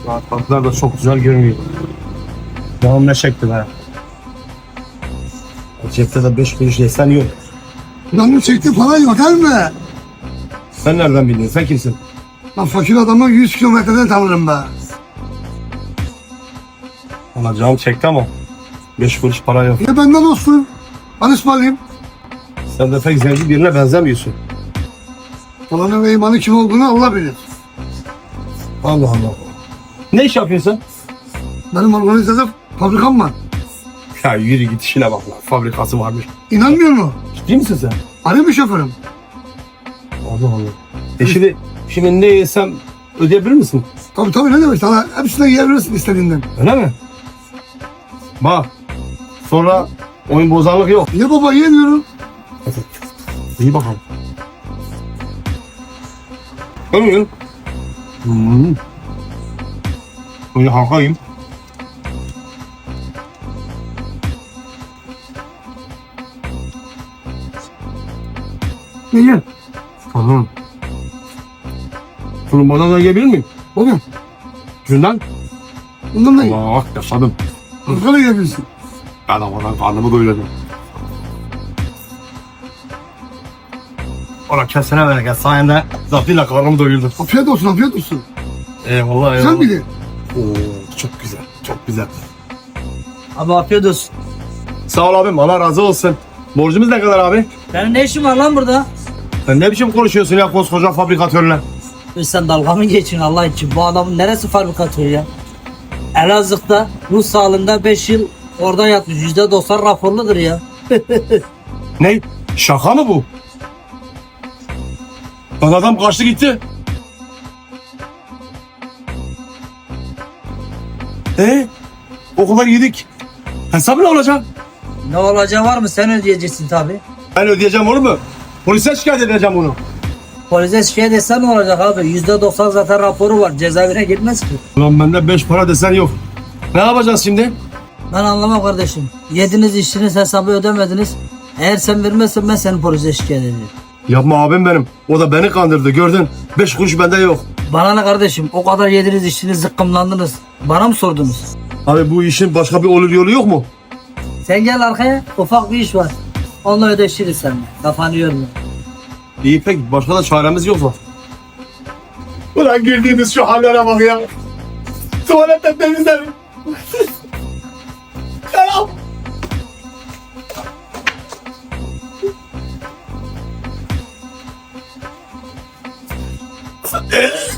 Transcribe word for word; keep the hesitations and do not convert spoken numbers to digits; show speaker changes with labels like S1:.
S1: Rahatlıklar da çok güzel görünüyor. Canım ne çekti be. Cepte de beş kuruş yesen yok.
S2: Canım çekti falan yok değil mi?
S1: Sen nereden bildin? Sen kimsin?
S2: Ben fakir adamı yüz kilometreden tanırım be.
S1: Valla canım çekti ama beş kuruş para yok.
S2: Ya benden olsun. Ben ısmarlayayım.
S1: Sen de pek zengin birine benzemiyorsun.
S2: Falanın ve imanı kim olduğunu Allah bilir.
S1: Allah Allah. Ne iş yapıyorsun?
S2: Benim organizede fabrikam var.
S1: Ya yürü git işine bak lan. Fabrikası varmış.
S2: İnanmıyor mu?
S1: Ciddi misin sen?
S2: Arı bir şoförüm.
S1: Allah Allah. E şimdi, şimdi ne yesem ödeyebilir misin?
S2: Tabii tabii ne demek sana hepsine yiyebilirsin istediğinden.
S1: Öyle mi? Bak. Sonra oyun bozanlık yok.
S2: Ye baba ye diyorum.
S1: İyi bakalım. Ömür. Hmm. Böyle halkayım.
S2: Ye ye.
S1: Tamam. Tulumbadan da yiyebilir miyim?
S2: Baba
S1: Şundan.
S2: bundan da ye.
S1: Allah yaşadım.
S2: Arkada yiyebilirsin.
S1: Ben havadan karnımı doyurdum. Ola kesene bereket sayende zatıyla karnımı doyurdum.
S2: Afiyet olsun afiyet olsun.
S1: Eyvallah eyvallah.
S2: Sen miydi?
S1: Oo, çok güzel, çok güzel.
S3: Abi afiyet olsun.
S1: Sağ ol abim, Allah razı olsun. Borcumuz ne kadar abi?
S3: Benim ne işim var lan burada?
S1: Sen ne biçim konuşuyorsun ya koskoca fabrikatörle?
S3: E sen dalga mı geçin Allah için? Bu adamın neresi fabrikatör ya? Elazığ'da ruh sağlığında beş yıl orada yatmış. yüzde doksan raporludur ya.
S1: Ne? Şaka mı bu? Lan adam kaçtı gitti. E o kadar yedik. Hesap ne olacak?
S3: Ne olacağı var mı? Sen ödeyeceksin tabi.
S1: Ben ödeyeceğim olur mu? Polise şikayet edeceğim bunu.
S3: Polise şikayet etsen ne olacak abi? yüzde doksan zaten raporu var. Cezaevine girmez ki.
S1: Ulan bende beş para desen yok. Ne yapacağız şimdi?
S3: Ben anlamam kardeşim. Yediniz içtiniz hesabı ödemediniz. Eğer sen vermezsen ben seni polise şikayet edeceğim.
S1: Yapma abim benim. O da beni kandırdı gördün. Beş kuruş bende yok.
S3: Bana ne kardeşim? O kadar yediniz içtiniz zıkkımlandınız. Bana mı sordunuz?
S1: Abi bu işin başka bir olur yolu yok mu?
S3: Sen gel arkaya, ufak bir iş var. Onunla ödeşiriz seninle. Kafanı yorma.
S1: İyi pek başka da çaremiz yok mu? Ulan girdiğimiz şu hallere bak ya. Tuvaletten temizlerim. Selam.